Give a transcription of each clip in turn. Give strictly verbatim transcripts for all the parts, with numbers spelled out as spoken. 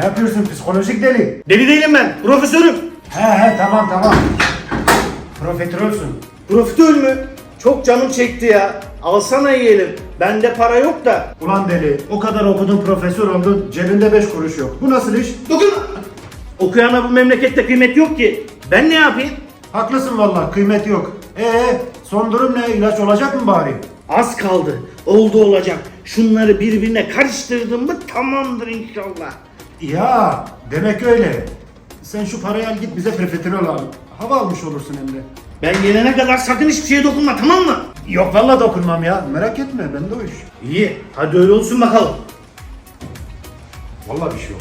Ne yapıyorsun psikolojik deli? Deli değilim ben. Profesörüm. He he tamam tamam. Profiterolsün. Profitör mü? Çok canım çekti ya. Alsana yiyelim. Bende para yok da. Ulan deli, o kadar okudun profesör oldun, cebinde beş kuruş yok. Bu nasıl iş? Dokunma. Okuyana bu memlekette kıymet yok ki. Ben ne yapayım? Haklısın vallahi, kıymet yok. Ee, son durum ne? İlaç olacak mı bari? Az kaldı. Oldu olacak. Şunları birbirine karıştırdım mı tamamdır inşallah. Ya, demek öyle. Sen şu parayı al git bize profiterol al. Hava almış olursun hem de. Ben gelene kadar sakın hiçbir şeye dokunma, tamam mı? Yok vallahi dokunmam ya. Merak etme, bende o iş. İyi. Hadi öyle olsun bakalım. Vallahi bir şey yok.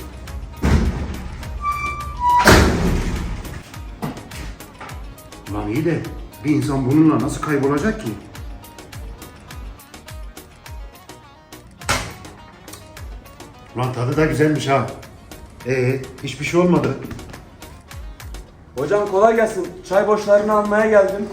Ulan iyi de bir insan bununla nasıl kaybolacak ki? Ulan tadı da güzelmiş ha. Ee, hiçbir şey olmadı. Hocam kolay gelsin. Çay boşlarını almaya geldim.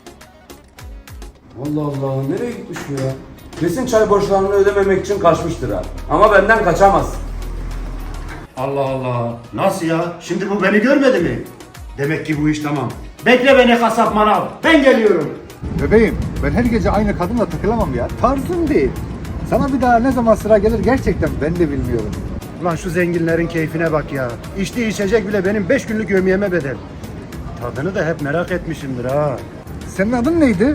Allah Allah, nereye gitmiş bu ya? Kesin çay borçlarını ödememek için kaçmıştır ha. Ama benden kaçamaz. Allah Allah. Nasıl ya? Şimdi bu beni görmedi mi? Demek ki bu iş tamam. Bekle beni kasap manav. Ben geliyorum. Bebeğim, ben her gece aynı kadınla takılamam ya. Tarzım değil. Sana bir daha ne zaman sıra gelir gerçekten ben de bilmiyorum. Ulan şu zenginlerin keyfine bak ya. İçtiği içecek bile benim beş günlük yevmiyeme bedel. Tadını da hep merak etmişimdir ha. Senin adın neydi?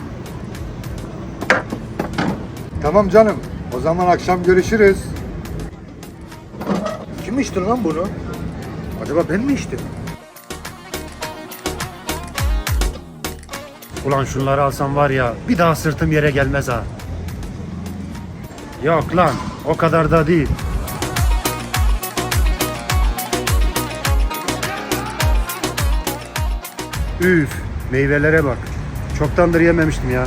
Tamam canım. O zaman akşam görüşürüz. Kim içti lan bunu? Acaba ben mi içtim? Ulan şunları alsam var ya bir daha sırtım yere gelmez ha. Yok lan o kadar da değil. Üf, meyvelere bak. Çoktandır yememiştim ya.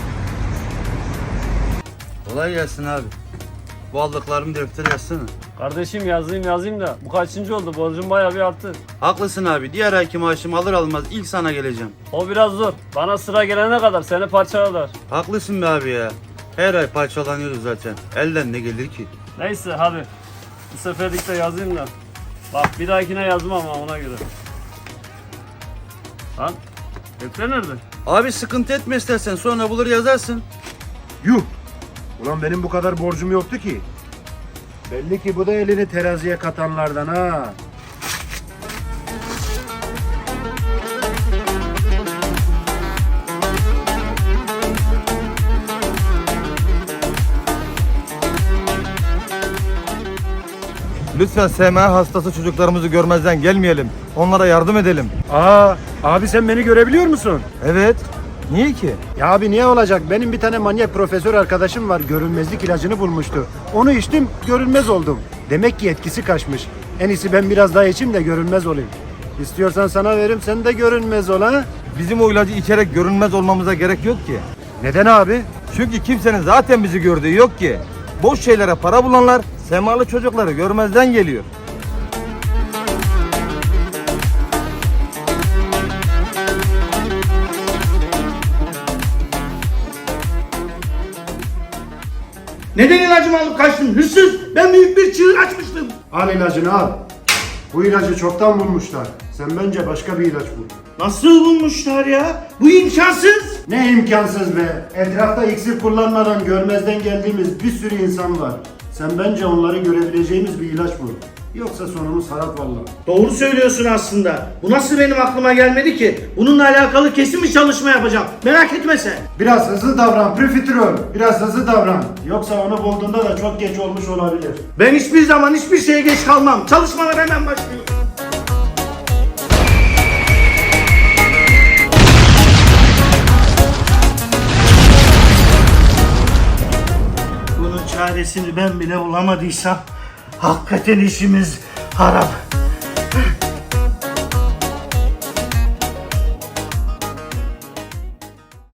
Kolay gelsin abi. Bu aldıklarımı deftere yazsana. Kardeşim yazayım yazayım da bu kaçıncı oldu? Borcum bayağı bir arttı. Haklısın abi. Diğer ayki maaşımı alır almaz ilk sana geleceğim. O biraz zor. Bana sıra gelene kadar seni parçalar. Haklısın be abi ya. Her ay parçalanıyoruz zaten. Elden ne gelir ki? Neyse hadi. Bu seferlik de yazayım da. Bak bir dahakine yazmam ama ona göre. Lan defter nerede? Abi sıkıntı etme istersen sonra bulur yazarsın. Yuh! Ulan benim bu kadar borcum yoktu ki. Belli ki bu da elini teraziye katanlardan ha. Lütfen S M A hastası çocuklarımızı görmezden gelmeyelim. Onlara yardım edelim. Aa, abi sen beni görebiliyor musun? Evet. Niye ki? Ya abi niye olacak? Benim bir tane manyak profesör arkadaşım var. Görünmezlik ilacını bulmuştu. Onu içtim, görünmez oldum. Demek ki etkisi kaçmış. En iyisi ben biraz daha içeyim de görünmez olayım. İstiyorsan sana veririm, sen de görünmez ol ha. Bizim o ilacı içerek görünmez olmamıza gerek yok ki. Neden abi? Çünkü kimsenin zaten bizi gördüğü yok ki. Boş şeylere para bulanlar semalı çocukları görmezden geliyor. Neden ilacımı alıp kaçtın? Hırsız! Ben büyük bir çığır açmıştım. Al ilacını al. Bu ilacı çoktan bulmuşlar. Sen bence başka bir ilaç bul. Nasıl bulmuşlar ya? Bu imkansız. Ne imkansız be. Etrafta iksir kullanmadan görmezden geldiğimiz bir sürü insan var. Sen bence onları görebileceğimiz bir ilaç bul. Yoksa sonumuz harap vallahi. Doğru söylüyorsun aslında. Bu nasıl benim aklıma gelmedi ki? Bununla alakalı kesin bir çalışma yapacağım. Merak etme sen. Biraz hızlı davran profiterol. Biraz hızlı davran. Yoksa onu bulduğunda da çok geç olmuş olabilir. Ben hiçbir zaman hiçbir şeye geç kalmam. Çalışmalar hemen başlıyor. Bunun çaresini ben bile bulamadıysam hakikaten işimiz harap.